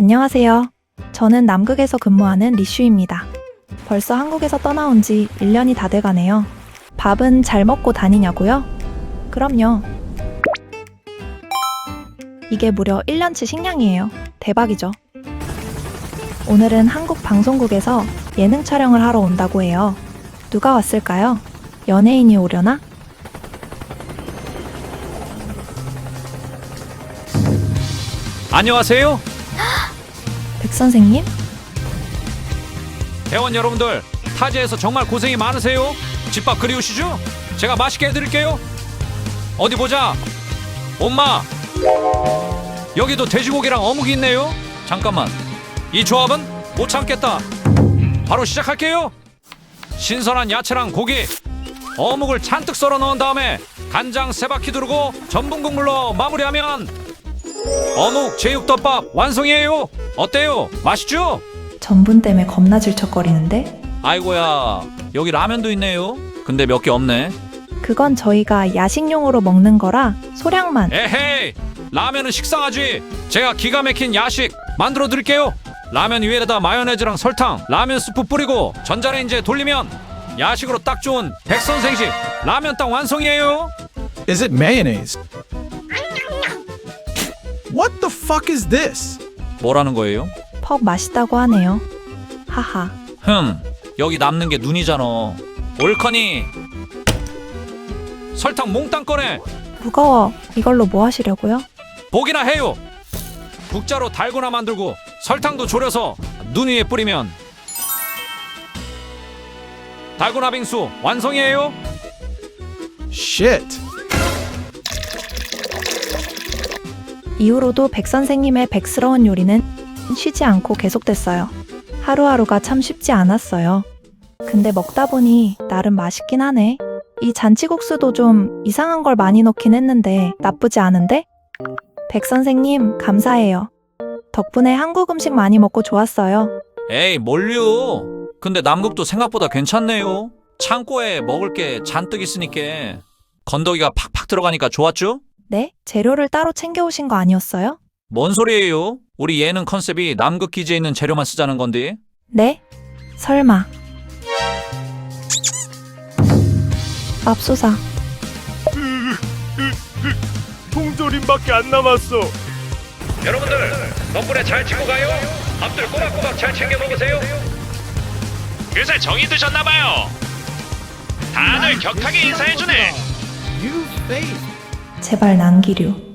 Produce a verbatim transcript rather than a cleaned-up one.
안녕하세요. 저는 남극에서 근무하는 리슈입니다. 벌써 한국에서 떠나온 지 일 년이 다 돼가네요. 밥은 잘 먹고 다니냐고요? 그럼요. 이게 무려 일 년치 식량이에요. 대박이죠? 오늘은 한국 방송국에서 예능 촬영을 하러 온다고 해요. 누가 왔을까요? 연예인이 오려나? 안녕하세요. 백 선생님? 대원 여러분들, 타지에서 정말 고생이 많으세요. 집밥 그리우시죠? 제가 맛있게 해드릴게요. 어디 보자. 엄마, 여기도 돼지고기랑 어묵이 있네요. 잠깐만, 이 조합은 못 참겠다. 바로 시작할게요. 신선한 야채랑 고기, 어묵을 잔뜩 썰어 넣은 다음에 간장 세 바퀴 두르고 전분 국물로 마무리하면 어묵 제육덮밥 완성이에요. 어때요? 맛있죠? 전분 때문에 겁나 질척거리는데? 아이고야, 여기 라면도 있네요. 근데 몇 개 없네. 그건 저희가 야식용으로 먹는 거라 소량만. 에헤이, 라면은 식상하지. 제가 기가 막힌 야식 만들어 드릴게요. 라면 위에다 마요네즈랑 설탕, 라면 스프 뿌리고 전자레인지에 돌리면 야식으로 딱 좋은 백선생식 라면땅 완성이에요. Is it mayonnaise? What the fuck is this? 뭐라는 거예요? 퍽 맛있다고 하네요. 하하. 흠, 여기 남는 게 눈이잖아. 옳거니 설탕 몽땅 꺼내. 무거워. 이걸로 뭐 하시려고요? 보기나 해요. 국자로 달고나 만들고 설탕도 졸여서 눈 위에 뿌리면 달고나 빙수 완성이에요. Shit. 이후로도 백 선생님의 백스러운 요리는 쉬지 않고 계속됐어요. 하루하루가 참 쉽지 않았어요. 근데 먹다 보니 나름 맛있긴 하네. 이 잔치국수도 좀 이상한 걸 많이 넣긴 했는데 나쁘지 않은데? 백 선생님 감사해요. 덕분에 한국 음식 많이 먹고 좋았어요. 에이, 뭘요? 근데 남극도 생각보다 괜찮네요. 창고에 먹을 게 잔뜩 있으니까 건더기가 팍팍 들어가니까 좋았죠? 네? 재료를 따로 챙겨오신 거 아니었어요? 뭔 소리예요? 우리 예능 컨셉이 남극 기지에 있는 재료만 쓰자는 건데. 네? 설마. 맙소사. 통조림밖에 안 남았어. 여러분들 덕분에 잘 치고 가요. 밥들 꼬박꼬박 잘 챙겨 먹으세요. 요새 정이 드셨나봐요. 다들 격하게 인사해주네. You face. 제발 남기류.